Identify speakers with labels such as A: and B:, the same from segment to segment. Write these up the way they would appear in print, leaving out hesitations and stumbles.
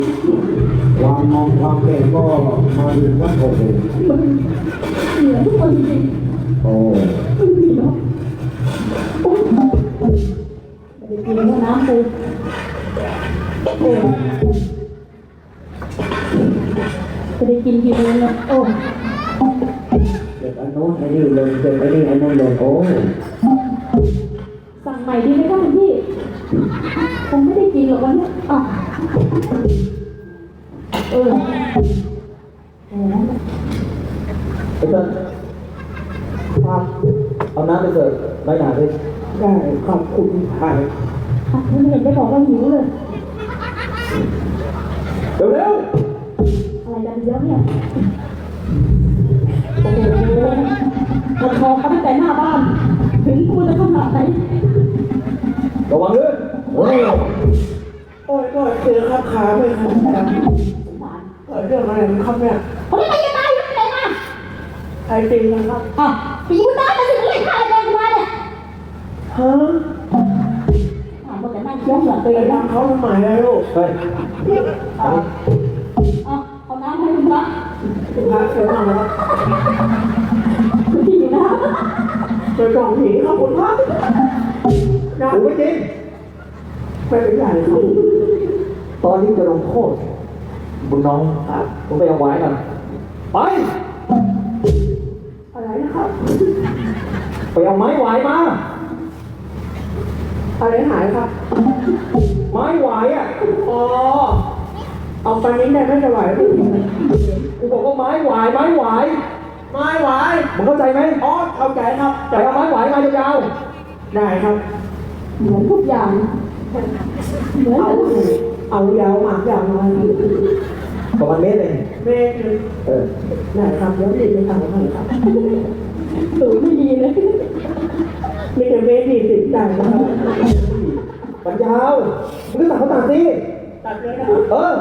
A: ความมองความเก่งก็มาดูว่าโอ้โห
B: เหนือทุกคนจริง
A: โอ้
B: ไม่มีเนาะโอ้ยไปกินแล้วน้ำปูโอ้จะได้กินกี่เดือนเนี่ยโอ้
A: เด็กอันโน้นไอ้นี่เลยเด็กไอ้นี่ไอ้นั่นเลยโอ้
B: สั่งใหม่ดีไหมคะคุณพี่คงไม่ได้กินหรอกวันนี้อ่ะโอ้
A: ไอ้เต้นครับเอาน้ำไปเสิร์ฟใบหนาดิได้ขอบคุณค่ะ
B: ไม่เห็นจะบอกว่าหิวเลย
A: เร็ว
B: อะไรกันเยอะเนี่ยโอ้โหมันคอเขาตั้งแต่หน้าบ้านถึงกูจะขนาดไหน
A: ๆระวังด้วยโอ้ย
C: โอ้ยก็เจอครับขาไม่ครับเรื่องอะไรครับเนี่ย
B: เขาไม่ไปยังไงไม่ไปมา
C: ไอ้จริงนะครับ
B: อ่ะปีกูตายมาถึงเลยฆ่าอะไรกูมาเนี่ย
C: ฮะ
B: ถามว่าแต่นั่งเคี้ยวเหมือนตัว
C: ไป
B: เองนะ
C: ทำเขาทำไมอะลูก
A: เฮ้ย
B: เอาน้ำให้คุณพระ
C: คุณพระเชิญนั่งนะครับ
B: พี่นะ
C: เจอจองผีครับคุณพระนะ
A: กูไม่จริง
C: ไม่เป็นไรครับ
A: ตอนนี้จะลงโทษบุญน้องครับผมไปเอาไว้กันไป
C: อะไรนะครับ
A: ไปเอาไม้หวายมา
C: อะไรหายครับ
A: ไม้หวายอ่ะ
C: อ๋อเอาไปนี้ได้ไม่จะไหวพี่
A: กูบอกว่าไม้หวายไม้หวาย
C: ไม่ไหว
A: มึงเข้าใจไหม
C: อ๋อเข้าใจครับ
A: ไปเอาไม้หวายมายาว
C: ได้ครับ
B: เหมือนทุกอย่างเหมือน
C: เอา
B: กัน
C: เอายาวหมากยาวมา
A: ๆประมาณเมตรเอง
C: เมฆ ได้ครับเดี๋ยวรีบไปทำให้ครับ
B: สูงไม่ดีเลย
C: มีแต่เมฆดีสิได้นะครับ
A: มันยาวมึงก็ตัดเขาตัดสิ
C: ตัดเลยนะครับ
A: เออ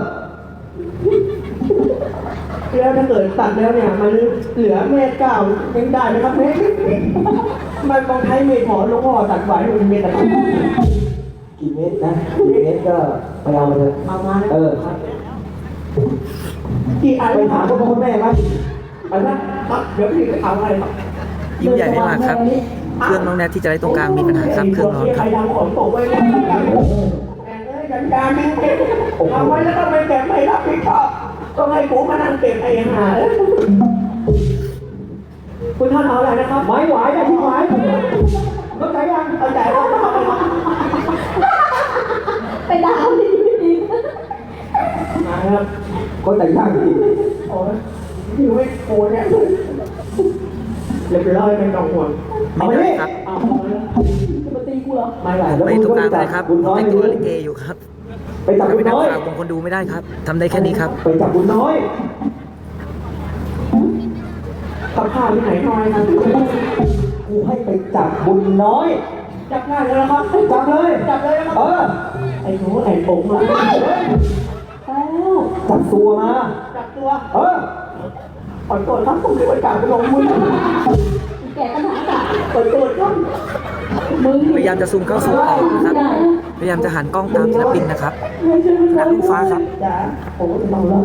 C: แล้วถ้าเกิดตัดแล้วเนี่ยมันเหลือเมฆเก้ายังได้ไหมครับเมฆมันต้องใช้เมฆหมอหลวงพ่อตัดไว้เป็นเมฆอะไร
A: กี่เมตรนะกี่เมตรก็ไปเอามาเถอะ
C: เอามา
A: เออ
C: กี่อัน
A: ไปถามพ่อพ่อแม่ไหม
C: อันนะครับเดี๋ยวพี่ไปเอาอะไรครับ
D: ยิ้มใหญ่ไม่มากครับ เครื่องน้องแนทที่จะได้ตรงกลางมีปัญหาครับ เครื่องร้อนค
C: ใคร
D: รับ
C: ดังของตกไว้แล้วกันการมีเอาไว้แล้วก็ไม่แก็บไม่รับผิดชอบต้องให้กูมานั่งเก็บไอ้ห่าคุณท่านเอาอะไรนะครับ
A: ไม้หวายได้ที่หวายเข้าใจยัง
C: เอาใจครับ
B: ไปด่าเขาดีไม่ดี
C: มาครับ
A: ก็ใจยากจริง
C: โอ้ยอยู่ไม่โกนเนี่ยเรียบร้อยไม่ต้องห่วง
D: ไม่เป็นไรครับ
C: เอาเลย
B: จะมาตีกูเหรอ
C: ไม่ไหว
D: ผมไปตรงกลางเลยครับ ผมแต่งตัวลิเกอยู่ครับ
A: ไปจับ
D: จะ
A: บุ
D: ไป
A: ญน้อย
D: ทำข่าวของคนดูไม่ได้ครับทำได้แค่นี้ครับ
A: ไปจับบุญน้อย
C: กับข้าวที่ไหนน้อยครับ
A: กูให้ไปจับบุญน้อย
C: จับได้แล้วนะครับ
A: จับเลย
C: จับเลยนะครับ
A: เออ
C: ไอ้หนูไอ้ผมมา
B: แล้ว
A: จับตัวมา
C: จับตัว
A: เออ
C: ขอตรวจครับผมที่ไปจับไปลงมือ
B: แกกันหาจ้ะ
C: ขอตรวจครับ
B: มึง
D: พยายามจะซูมเข้าซูมออกนะครับ พยายามจะหันกล้องตามศิลปินนะครับนักลูกฟ้าครับ
C: จ๋าผมก็ต้องรอ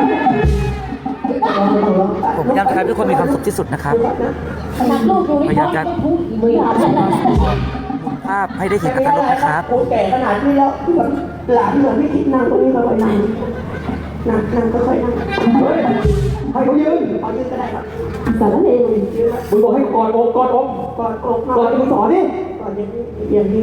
D: ผมพยายามจะทำให้ทุกคนมีความสุขที่สุดนะครับ
B: นักลูกดูไม่พอจะพุ่งอีกมือหาฉันนะ
D: หมุนภาพให้ได้เห็นอัตรรสนะครับ
C: โอ้แก่ขนาดนี้แล้วหลานเหมือนไม่คิดนั่งตรงนี้ค่อยๆนั่งนั่งค่อยๆนั่ง
A: เฮ้ย ให้เขายืน
C: เอายืนก็ได้ครับ
B: สารเลว
C: ยืนครับ
A: มึงบอกให้กอดอกกอดอก
C: กอดอก
A: กอดมึงสอนดิ
C: กอดอย่างนี้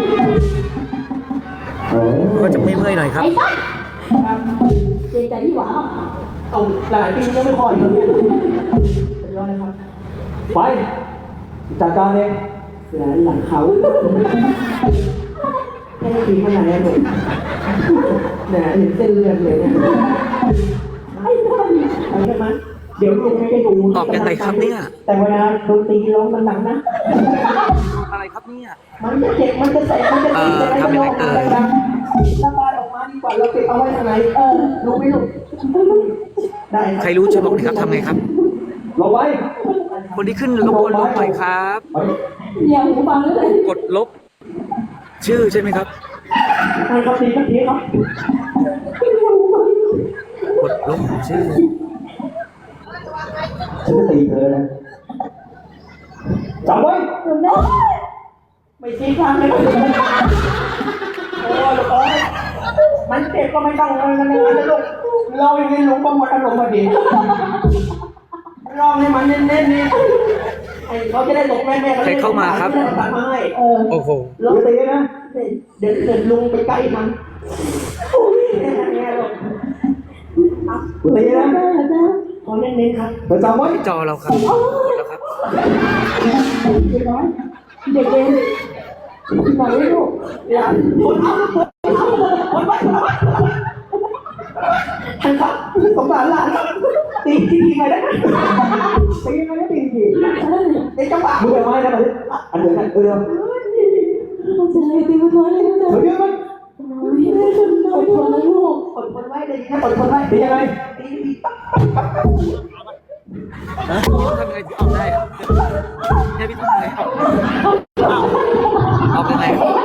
D: ก็จะเมื่อยๆหน่อยครับ
B: ไอ้สัส
C: ครับ
B: เจใจที่หวา
C: เอาหลายปียังไม่พออีกเลยเป็นร้อยครับ
A: ไป จัดการเอง
C: เสือหลังเขาไม่ได้ปีขนาดนี้เลยเนี่ยเห็นเส้นเลือดเลยเนี่ย
B: ไอ้สัส
C: เอาใช่ไหมเดี๋ยวลุงให้ดู
D: ออกยังไงครับเนี่ย
C: แต่เวลาดนตรีร้องมันหนังนะ
D: อะไรครับเนี่ย
C: มันจะเจ็บมันจะแสบมันจะตีจะไม่ร้องอะไรดังระบายออกมาดีกว่าเราเก็บเอาไว้ทางไหนรู้ไหมลูกได้
D: ใครรู้ช่วยบอกหน่อยครับทำไงครับ
A: ลงไว้
D: คนที่ขึ้นรบกวนลบหน่อยครับ
A: ไป
B: อย่าหูฟังเลย
D: กดลบ ชื่อใช่ไหมครับ
C: ให้ครับดีครับดีครับ
B: อย่าหูฟั
D: ชื่อ
A: ฉันจะตีเธอนะจำไว้
B: คุณแม่
C: ไม่ชี้ทางเลยโอ้ยมันเจ็บก็ไม่ต้องมันอย่างนั้นนะลูกเราอย่างนี้ลุงก็หมดอารมณ์พอดีลองให้มันเน้นๆนี่ไอ้เขาจะได้ตกแม่ๆ
D: ใครเข้ามาครับ
C: จะได้ตัดมาให้
D: โอ้โห
C: ลองตีนะเดี๋ยวลุงไปใกล้มันโอ้ยแน่ๆลูก
A: กูตีนะ
C: ขอเน้นๆครับ
A: เธอจำไว้
D: จอเราครับหมดแล้วครับ
B: เด็กน้อยเด็กเอ็นบอกให้ลูก
C: อย่าท่านครับสงสารหลานตีที่ไปได้ตีไปได้ตีทีในจังหวะ
A: มึงไปไม้นะมาดิอันเดียวกันเดียว
B: เข้าใจตีมันน้อยเลยนะจ๊ะ
A: เฮ้ยมัน
B: อดทนนะลูก
C: อดทนไว้เลยนะอดทนไว้
A: ตียังไง
D: นะพี่ต้องทำยังไงถึงออกได้อะเนี่ยพี่ต้องทำยังไงออกยังไง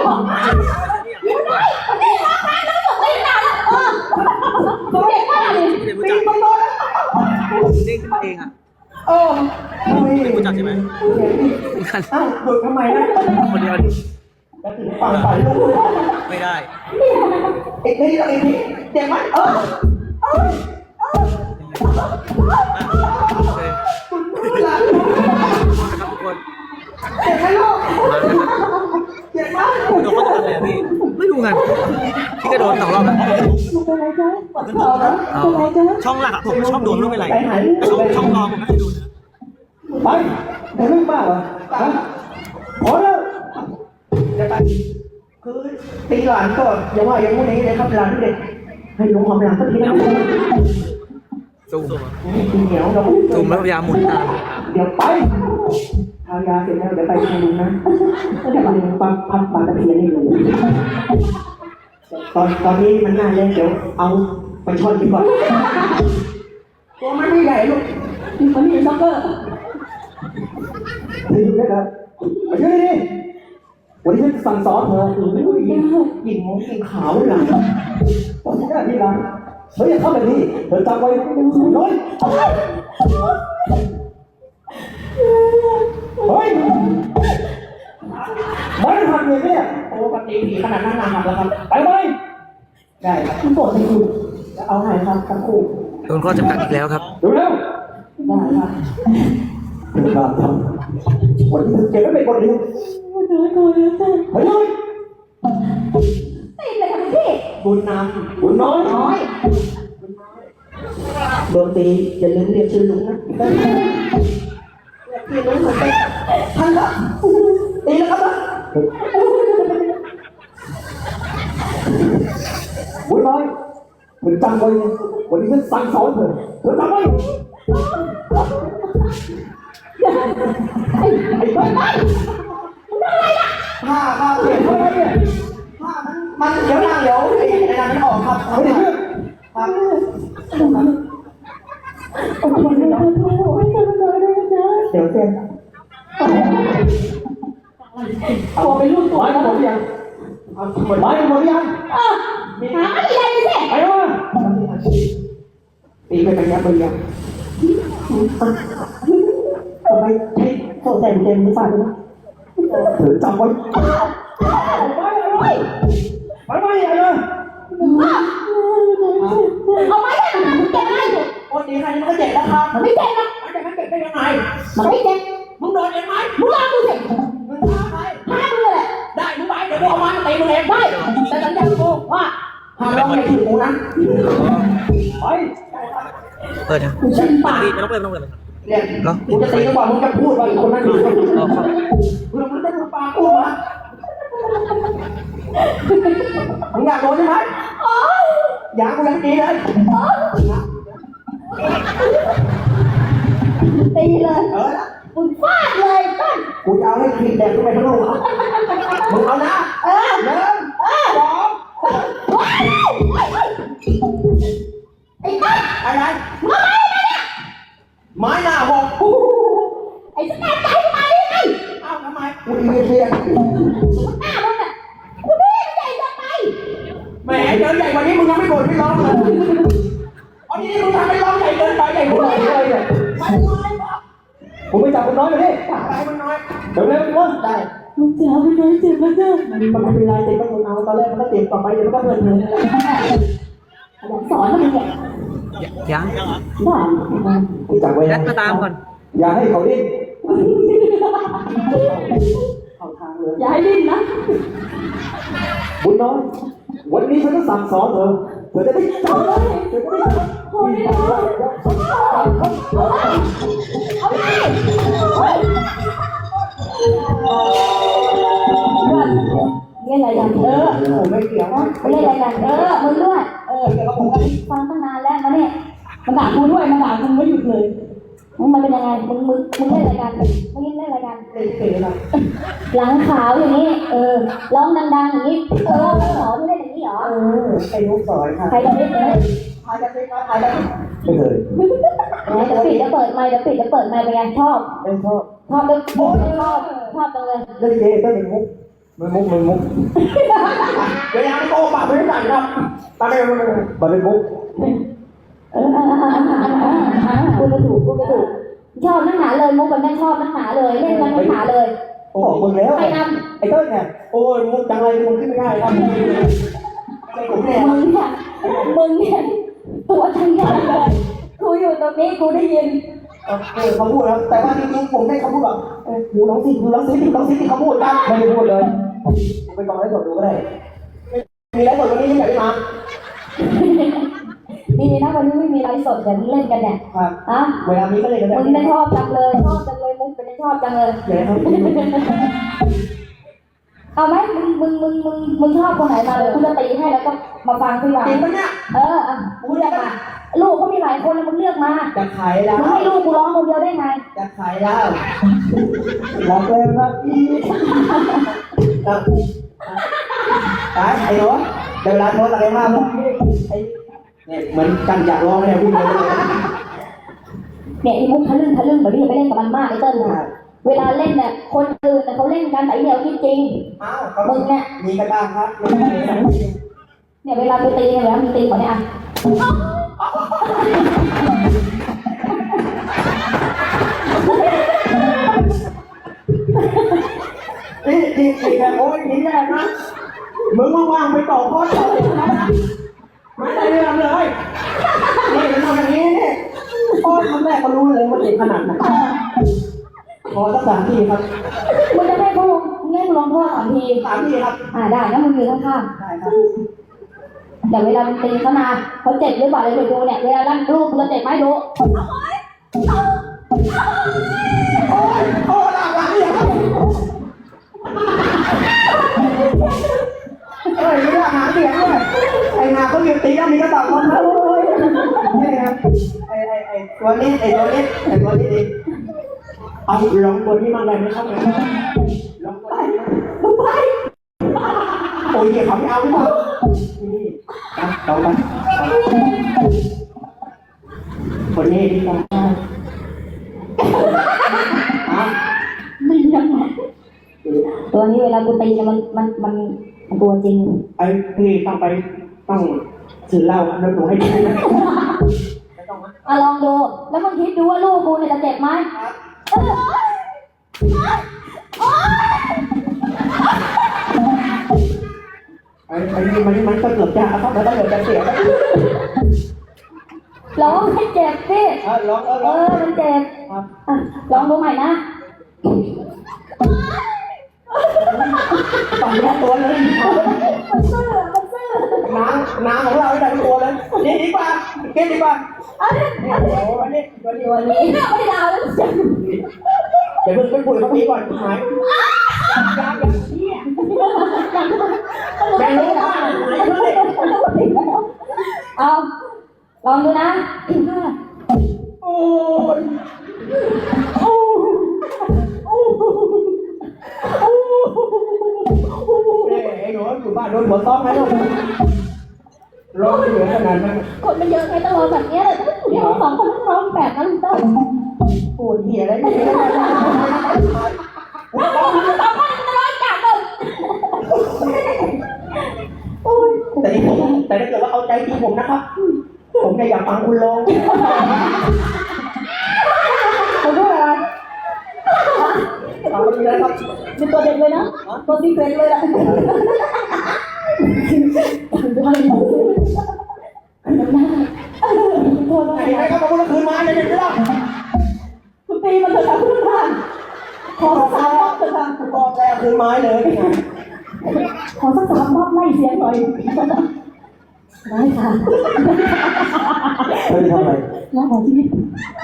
B: เด็กมากเลย
D: เด็กรู้จัก
C: ไปโดน
D: เด้งขึ้นมาเองอ่ะ
C: ไม่
D: รู้จักใช่ไหมกัน
C: อ้าวหยุดทำไมนะ
D: คนเดียว
C: จะถึงฝั่งฝันลูก
D: ไม่ได้
C: อีกทีอีกทีเจ็บไหม
D: โอเค
C: หลัง
D: นะครับทุกคน
C: เจ็บไหมลูกเจ็บไหม
D: โดนเขาจะทำอะไรอะพี่ไม่รู้ไงพี่ก็โดน2 รอบแล้ว
B: ลูกเป็นไรจ๊ะเป็นไรจ๊ะ
E: ช่องหลักอะผมชอบดูไม่รู้เป็นไร
C: ไปหาย
E: แต่ช่องรองผมไม่เคยดูนะ
A: ไปแต่เรื่องมากเหรอฮะพอแล้ว
C: จะไปคือตีหลานก็อย่าว่าอย่างงู้นอย่างนี้เลยครับหลานเด็กให้ลุงหอมหลานสักทีนะ
D: ซูม
C: กินเหนียวเรา
D: ซูมแล้วพยายามหมุนตาม
C: เดี๋ยวไปทายาเสร็จแล้วเดี๋ยวไปทางลุงนะเดี๋ยวลุงปักพันปากตะเพียนให้ลุงตอนนี้มันน่าเล่นเดี๋ยวเอาไปช่อนดีกว่าตัวมันไม่ใหญ่ลูก
B: มันมีซ็อกเกอร์
A: ตีอยู่นะครับมาช่วยดิวันนี้ฉันสั่งสอนเธอ
C: ยิงมงยิงขาวหลัง
A: ต้องที่หน้าที่หลังเฮ้ยอย่าทำแบบนี้เธอจำไว้น้อยเฮ้ยไม่ทันเลยเนี่ย
C: โอ้ปฏิผีขนาดนั้นนานแล้วครับ
A: ไปไหม
C: ได้ครับ
B: มันปวดในคุณ
C: จะเอาไหนครับทั้งคู่
D: โดนข้อจำกัดอีกแล้วครับ
A: เร็วเร็ว
C: ได้ครับ
A: เธอการทำวันนี้เธอเก็บไว้เป็นบทเรียน
B: มันน้อยก่อนแล้วจ้ะ
A: เฮ้ย
B: ตีเลยค่ะพี่
C: บุญน
A: บุญน้อย
B: น้อย
C: ำโดนตีอย่าลืมเรียกชื่อลุงนะเรียกชื่อลุงเหมือนกันท่านครับตีแล้วครับ
A: บุญน้อยมึงจำไว้นะวันนี้ฉันสั่งสอนเธอเธอจำไว้ไอ้บ้า
C: ผ้าครับเปลี่ยน
A: ทำไมเนี่ย
C: ผ้ามันเดี๋ยวนั่งเดี๋ยวไอ้นั่นไม่ออกครับ
A: ไม่ได้เพื่อน
C: ครับ
B: อดทนนะลูกให้เธอน้อยเลยนะ
C: เดี๋ยวเซ็น
B: ตัวเป็นลูกตัว
A: ไม้หมดยัง
C: เอาหมด
A: ไม้หมดยัง
B: หาไม่ได้สิ
A: ไปวะ
C: ตีไปเป็นยับเป็นยับทำไมใช้โซ่ใส่เต็มหรือเปล่าเนี่ย
A: เธอจำไว้ไปไหมอะไร
B: เอาไม้ได้มันเจ็บไหม
C: โอ้ตีใครนี่มันก็เจ็บแล้วครับ
B: มันไม่เจ็บนะ
C: มันจะไม่เจ็บได้ยังไง
B: มันไม่เจ็บ
C: มึงโดนเองไหม
B: มึงลองดูสิ
C: มึงฆ่าใคร
B: ฆ่ามึงเลย
C: ได้มึงไปเดี๋ยวกูเอาไม้มาตีมึงเอง
B: ได้แต่สัญญากูว่า
C: ห้ามร้องไม่ถึงกูนะ
A: ไป
D: เปิดนะ
C: กูชิมปาก
E: ไม่ต้องเปิดไม่ต้องเปิดเลย
C: เนี่ยกูจะตีก็บอกมึงจะพูดว่าอีกคนนั้นอยู่
D: รอครับ
C: มึงจะดูปากกูมามึงอยากโดนใช่ไหมอยากกูยังตีเลย
B: ตีเลย
C: ละ
B: มึงฟาดเลยต้น
C: กูจะเอาให้ขีดแดงขึ้นไปทั้งลูกมึงเอานะ1 2
B: ไอ้ต้น
C: อะไร
B: มึงเอาไม้มาเนี่ย
C: ไม้หน้าหก
B: ไอ้สแตนใจมาได้ไง
C: เอ้าทำไมกูดีเรียน
B: หน้ามึงอ่ะกูนี่มันใหญ่เกินไป
C: แหมเจอใหญ่กว่านี้มึงยังไม่บ่นไม่ร้องเลยอันนี้มึงทำไม่ร้อง
A: มันน้อยไปดิ
C: ไปมันน้อย
A: เร็วๆต้น
C: ได้
B: มึงจ๋าเป็นไงเจ็บแล้วจ้ะ
C: มันไม่เป็นไรติดก็ทนเอาตอนแรกมันก็ติดต่อไปเดี๋ยวมันก็เพลินเลย
B: อยากสอนมันเนี่ย
D: ยัง
B: บ้า
A: ที่จับไว้
D: แด
A: นะ
D: ดมาตามก่อน
A: อย่าให้เขาดิ้น
C: เข้าทางเลย
B: อย่าให้ดิ้นนะ
A: บุญน้อยวันนี้ฉันจะสั่งสอนเธอจะได้จำ
B: โอ้ยเอาไปเล่นอะไรกัน
C: ผมไม่เกี่ยวนะ
B: เล่นอะไรกันมึงด้วย
C: เดี๋ยวก็ผมก็
B: ฟังตั้งนานแล้วมาเนี่ยมันด่ากูด้วยมันด่ากูไม่หยุดเลยมันเป็นยังไงมึงเล่นอะไรกันมึงเล่นอะไรกัน
C: เล่นเกมนะ
B: หลังขาวอย่างนี้ร้องดังๆอย่างนี้หรอมึงเล่นอย่างนี้เหรอ
C: ไอ้ลูกสอยค่ะ
B: ใครจะเล่นเลย
C: พายจะเล่นก็พายจะ
A: ไม่เคย
B: เดี๋ยวปิดจะเปิดไมค์เดี๋ยวปิดจะเปิดไมค์ไปไงชอบ
A: ไม่ชอบ
B: ชอบจังชอบจังเลย
A: เล่นเกมก็เป็นมุกมันมุก
C: เวลาโตปากไม่ได้ครับตาไม่ไม่ไม่
A: มันเป็นมุก
B: พูดไม่ถูกชอบนักหนาเลยมุกมันไม่ชอบนักหนาเลยเล่นมันนักหนาเลย
A: บอกมึงแล้ว
B: ใครน
A: ไอ้เต้ยเนี่ย
C: โอ้ยมุกจังไรมุกขึ้นไม่ได้ครับไอ้ผมเนี่ย
B: ำมึงเนี่ยตัวฉันใหญ่เลยกูอยู่ตรงนี้กูได้ยิน
C: เขาพูดแล้วแต่ว่าจริงๆผมได้เขาพูดแบบหูร้องสิหูร้องสิที่เขาพูดกัน
A: ไม่ได้พูดเลยไปฟังไลฟ์สดดูก็ได้
C: มีแล้วหมดวันนี้ที่ไหนมา
B: นี่นะวันนี้ไม่มีไลฟ์สดเดี๋ยวมึงเล่นกันเนี่ย
C: ครับ
B: ฮะ
C: เวลามีก็เลยกันแบบ
B: มึงไม่ชอบจังเลยมุกเป็นชอบจังเลย
C: เดี๋ยวครับ
B: เอาไหมมึงชอบคนไหนมาเลยกูจะตีให้แล้วก็มาฟังพี่ว่า
C: จริงปะเนี่ย
B: มึงเลือกมาลูกก็มีหลายคนมึงเลือกมา
C: จะขายแล้ว
B: มึงให้ลูกกูร้องคนเดียวได้ไง
C: จะขายแล้วรักแล้วรักอีกไอ้หนูเดี๋ยวเวลาโทรอะไรมากเลยไอ้เนี่ยเหมือนกันอยากร้องเนี่ยพี่เลย
B: เนี่ยไอ้มุกทะลึ่งแบบนี้ไปเล่นกับมันมากไอ้เติ้ลนะเวลาเล่นเนี่ยคนอื่นเขาเล่นกันแต่เดียวจริง
C: อ้าวมึงเนี่ยมีกระด้างครับ
B: เนี่ยเวลาไปตีเนี่ยมึงตีเขาเนี่ยอ่ะ
C: นี่แบบโอ้ยนี่แย่นะมึงว่างๆไปต่อข้อต่อนะไม่ได้เรื่องเลยนี่มันทำอย่างนี้นี่โอ้ยคำแรกก็รู้เลยว่าเด็กขนาดไหนขอสัก3 ทีครับ
B: มึงจะให้กูลองโทษ3 ที
C: 3 ทีครับ
B: ได้นะมึงอยู่ข้าง
C: ได้ครับ
B: ๆแต่เวลามึงตีเขามาเขาเจ็บหรือเปล่าเลยดูเนี่ยเวลาลั่นลูกเราเจ็บไหมดู
C: โอ้หลังเนี่ยครับมีหลักหาเสียงด้วยไอ้นาเขาหยุดตีแล้วมีกระต่ายคนแล้วนี่ครับไอ้ตัวนี้ดีเอาลองตัวนี้มาเลยไหมครับลองไปโอ้ยเดี๋ยวเขาไม่เอาหรือเปล่านี่เอาไปคนนี้ดีกว่า
B: ไม่ยังไงตัวนี้เวลากูตีเนี่ยมันตัวจริง
C: ไอ้พี่ต้องถือเหล้าแล้วหนูให้ดีนะ
B: ลองดูแล้วมึงคิดดูว่าลูกกูเนี่ยจะเจ็บไหม
C: ไอ้นี่มันก็เกือบจะครับแล้วก็เกือบจะเสียแล้ว
B: ร้องให้เจ็บสิ
C: ร้อง
B: มันเจ็บ
C: ครับ
B: ลองดูใหม่นะ
C: ต้องแยกตัวเลย
B: มันซื่อ
C: น้ำของเราได้ตัวเลยนี่ดีกว่าเก็บดีกว่า
B: ตัวนี้ไม่ดาวแล้วเจ็บ
C: เดี๋ยวเพิ่งไปคุยกับพี่ก่อนหายแกรู้ว่าหายเลย
B: เอาลองดูนะ
C: โอ้ยไอ้หนูอยู่บ้านโดนหัวต้อมไหมลูกร้องเหลือขนาดนั้น
B: คนมันเยอะไงต้องร้องแบบนี้เลยเดี๋ยว2 คนต้องร้องแบบนั้นต้อง
C: ปวดเหี้ยอะไรนี่ แต่ถ้าเกิดว่าเอาใจจริงผมนะครับ ผมจะอยากฟังคุณร้อง
B: คุณพูดอะไรตัวซีเควนต์เลยล่ะถึงด้วยน้ำหน้าโทษ
C: ไหน
B: นะ
C: ก็มาพูดคืนมาเลยเด็กไม่ได้
B: คุณตีมันเถอะค่ะคุณท่านขอสัก3 รอบเถอะค่ะ
C: บอกแล้วคืนไม้เลย
B: ขอสัก3 รอบไล่เสียงหน่อยได้ค่ะ
A: เธอจะทำอะไร
B: น้าของชีวิต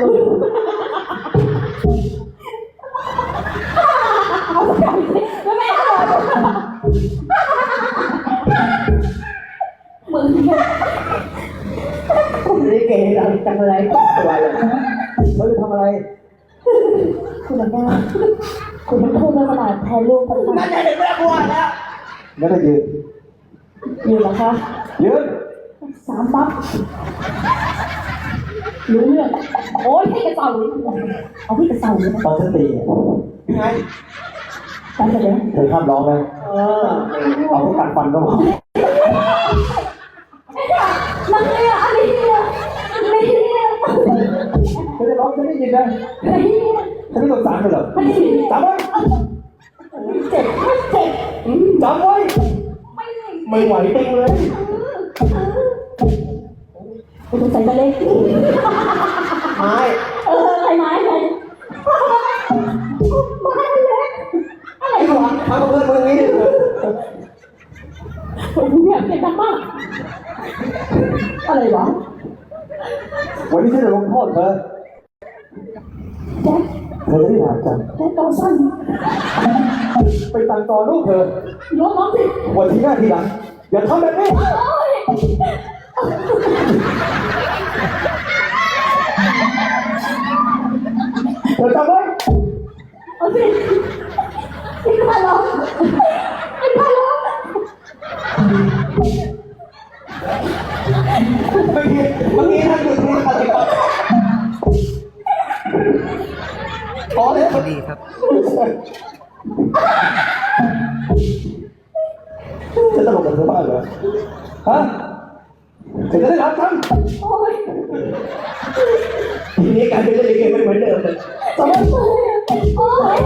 B: เอาสักอย่างสิไม่เอามึง
C: คุณลิเกดังจังเลยตัวเลย
A: เธอจะทำอะไร
B: คุณลำได้คุณต้องพูดเรื่องขนาดแทนลูกคุณ
C: นั่นเด็กไม่กลัวแล้ว
A: งั้นก็ยืน
B: อยู่เหรอคะ
A: ยืน
B: 3 ปั๊บรู้เรื่องโอ้ยให้กระเต่าเลยเอาที่กระเต่าเลยนะ
A: ตอนฉันตีเนี่ย
C: ไง
B: การแสดง
A: เธอห้ามร้องนะ เอาพวกกัดฟันก็พอ
B: นักเรียนอะไรเนี่ยไม่เรียน
A: เธอจะร้องฉันได้ยินนะ
B: ไม่เรียน
A: ฉันไม่สงสารเธอหรอก
B: ไม่เรียน
A: จำไว้
B: เจ็บไม่เจ็บ
A: จำไว้
B: ไม่เรียน
C: ไม่ไหวติงเลย
B: คุณใส่ตะเล็ก
C: ไม้
B: ใครไม้ใครไม้เล็กอะไรวะ
C: ทำกับเพื่อนมึงนี้
B: ผมอยากเจ็บมากอะไรวะ
A: วันนี้ฉันจะลงโทษเธอ
B: แจ็ค
A: เธอจะได้หาจ
B: แจ็คตอนสั้น
A: ำไปสั่งสอนลูกเธอ
B: ลดน้องสิ
A: วันที่หน้าทีหลัง อย่าทำแบบนี้
B: โอ้ย
A: เธอจำไว้
B: เอาสิพี่พาล้อพี่พาล้อ
C: เมื่อกี้ท่านหยุดพูดอะไรก่อนพอเลย
D: พอดีครับ
A: จะตลกกับเธอบ้างเหรอ ฮะเธอจะได้รับจำ
B: โอ้ย
C: ทีนี้การเป็นเล่นลิเกไม่เหมือนเดิมเลย
B: โอ้ยโอ้ย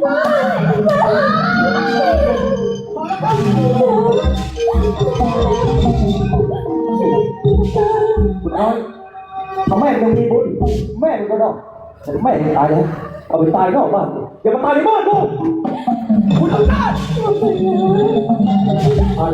A: คุณน้อยทำแม่ยังมีบุญแม่มันก็ต้องแต่แม่ยังตายแล้วเอาไปตายนอกบ้านอย่ามาตายในบ้านกูคุณทำได้